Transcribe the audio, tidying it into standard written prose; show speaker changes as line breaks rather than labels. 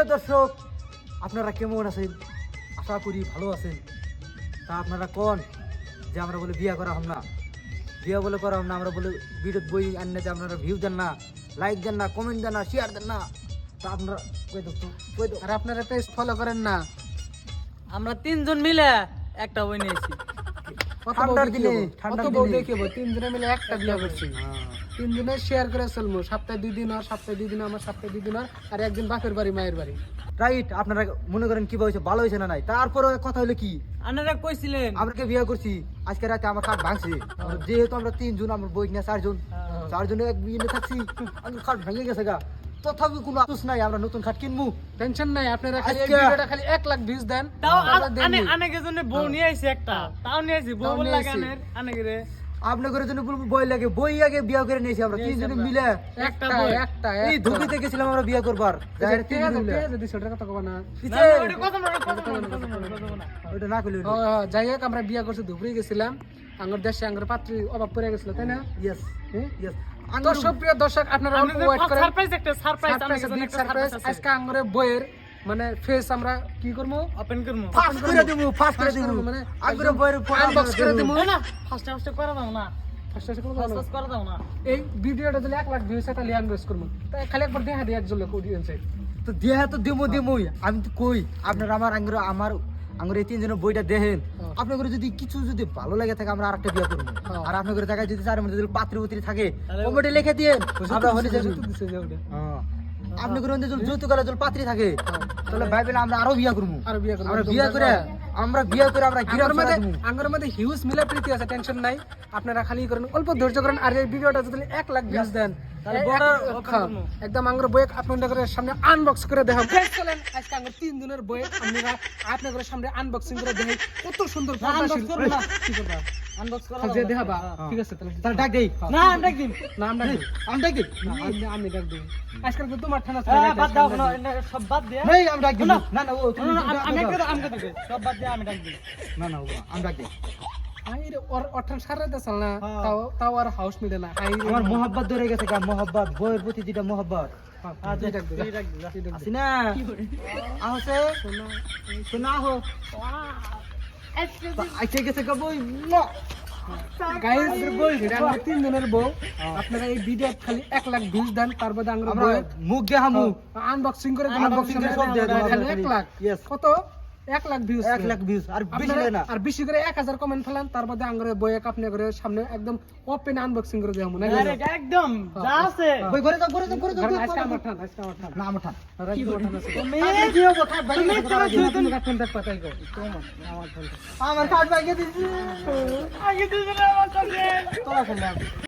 দর্শক, আপনারা কেমন আছেন? আশা করি ভালো আছেন। তা আপনারা কোন যে আমরা বলে বিয়া করা হম না, বিয়া বলে করা হম না, আমরা বলে ভিডিও বই আনতে আপনারা ভিউ দেন না, লাইক দেন না, কমেন্ট দেন না, শেয়ার দেন না। তা আপনারা কই দো
আর আপনারা পেজ ফলো করেন না।
আমরা তিনজন মিলে একটা বই নিয়েছি।
ঠান্ডার দিনে
কত বউ দেখিব, তিনজনে মিলে একটা বিয়া করছি। তিনজনে শেয়ার করে চলবো, সপ্তাহে 2 দিন আর সপ্তাহে 2 দিন আমার, সপ্তাহে 2 দিন আর, আর একদিন বাপের বাড়ি মায়ের বাড়ি।
রাইট। আপনারা মনে করেন কি হয়েছে, ভালো হয়েছে না নাই, তারপরে কথা হলো কি
আপনারা কইছিলেন
আমরা বিয়া করছি, আজকে রাতে আমার খাট ভাঙছে। যেহেতু আমরা 3 জন, আমার বই না 4 জন, 4 জনে এক বিয়ে থাকছি, আমার খাট ভেঙে গেছে গা। তথাপি কোনো আফসোস নাই, আমরা নতুন খাট কিনবো,
টেনশন নাই। আপনারা খালি এই
আজকে-
ভিডিওটা খালি 1 লাখ ভিউজ দেন,
তাও
আমরা দেননি।
অনেকের জন্য বউ নিয়ে আইছি একটা, তাও নিয়ে আইছি বউ
তাও
বল
নিয়ে
লাগে
আইছি।
অনেকের
আপনাদের জন্য বলবো বই লাগে, বই আগে বিয়া করে নিয়েছি আমরা 3 জনে মিলে।
একটা
বই।
একটা
এই ধুবিতে গেছিলাম আমরা বিয়া করবার, যাই 3 জনে মিলে।
যদি সেটার কথা কব না।
ওটা না কইলে
ও, যাই হোক, আমরা বিয়া করছি, ধুবড়ি গেছিলাম। আঙ্গুর দেশে আঙ্গুর পাত্রী অভাব পড়ে গেছিল, তাই না?
Yes
hmm?
ইয়েস।
তো সুপ্রিয় দর্শক, আপনারা ওয়েট করেন।
সারপ্রাইজ একটা সারপ্রাইজ
সারপ্রাইজ,
আমাদের জন্য
বিগ
একটা
সারপ্রাইজ।
সারপ্রাইজ
আজকে আঙ্গুরের বইয়ের মানে ফেস আমরা কি করবো,
ওপেন করব
ফাস্ট করে দেবো, ফাস্ট করে দেবো,
মানে
আগ্রহ বইয়ের
আনবক্স করে দেবো।
না ফার্স্ট ফার্স্ট করে দাও না,
ফার্স্ট ফার্স্ট করে
ফার্স্ট
দাও।
ফার্স্ট করে দাও না।
এই ভিডিওটা যদি 1 লাখ ভিউজ হয় তাহলে ইনভেস্ট করবো। তাই খালি একবার দেখা দিই একজন লোক অডিয়েন্সে।
তো দেহা তো দেমই। আমি তো কই আপনারা আমার আঙ্গুর এই 3 জনের বইটা দেখেন, আপনাদের যদি কিছু যদি ভালো লাগে থাকে আমরা আরেকটা বিয়া করবো। আর আপনাদের জায়গায় যদি চার মধ্যে যদি পাত্রী পুত্রী থাকে কমেন্টে লিখে দিয়েন, আমরা হলে যাবো। আপনাদের মধ্যে যদি যৌতুক আলা যদি পাত্রী থাকে তাহলে ভাইবেন আমরা আরো বিয়া করবো।
আর বিয়া করবো।
আমরা বিয়া করে আমরা গিরাম
আঙ্গুরের মধ্যে হিউজ মিলা প্রীতি আছে, টেনশন নাই। আপনারা খালি করেন, অল্প ধৈর্য করেন। আর এই ভিডিওটা যদি 1 লাখ ভিউজ দেন
তাহলে
এই
বড়
এক-
open
হ্যাঁ,
করবো।
একদম আঙ্গুর বই আপনাদের সামনে আনবক্স করে দেখাম। চলেন আজকে আঙ্গুর 3 দিনের বই আমরা আপনাদের সামনে আনবক্সিং করে দেখাই। কত সুন্দর
unbox করবো না।
কি করবা
আনবক্স করে
যে
দাও।
দেখাবা। ঠিক আছে, তাহলে
তাহলে ডাক দেই।
না আমরা একদিন
না আমরা কি?
আমি ডাক দেই।
আমি ডাক দিই। আজকাল তো তোমার ঠান্ডা
বাদ দাও না, এটা সব বাদ দিয়ে
নেই আমি ডাক দিই। না না ও তুমি
আমি একটা আমকে দিবে সব বাদ দিয়ে আমি ডাক দিই।
না না ও আমি ডাক দেই।
অঠান সারাতে চাল না, তাও আর হাউস মিলে না।
আমার মোহাব্বত ধরে গেছে গা, মোহাব্বত বইয়ের প্রতি যেটা মোহাব্বত
তুই ডাক দে,
তুই ডাক দিই, যা।
তুই ডাক দে।
আসি না আহছে শোনা হো আইতে গেছে গা বই।
গাইস, এটা আমার 3 দিনের বউ। আপনারা এই ভিডিও খালি 1 লাখ ভিউজ দেন, তারপর আমরা
আমরা মুখ দেখামু,
আনবক্সিং করে
Unboxing করে সব দিয়ে দেবো
খালি
আপনাদের
1 লাখ।
Yes.
কত? 1 লাখ ভিউজ।
1 লাখ ভিউজ আর বেশি লাগে না।
আর বেশি করে 1000 কমেন্ট ফেলান, তারপর আঙ্গুরে বই আপনি করে সামনে একদম ওপেন আনবক্সিং করে দেবো না।
আরে একদম যা আছে
বই করে দাও করে দাও করে দাও।
আজকে আমার ঠান, আজকে আমার ঠান।
না আমার ঠান।
কি বলছেন আছে?
তুমি
কি হবে খাট ভাই
তুমি কাটুন দেখ পাতাই গো।
আমার খাট ভাই দিছি
আগে দিছ না আমার কাছে
তোরা শুনলাম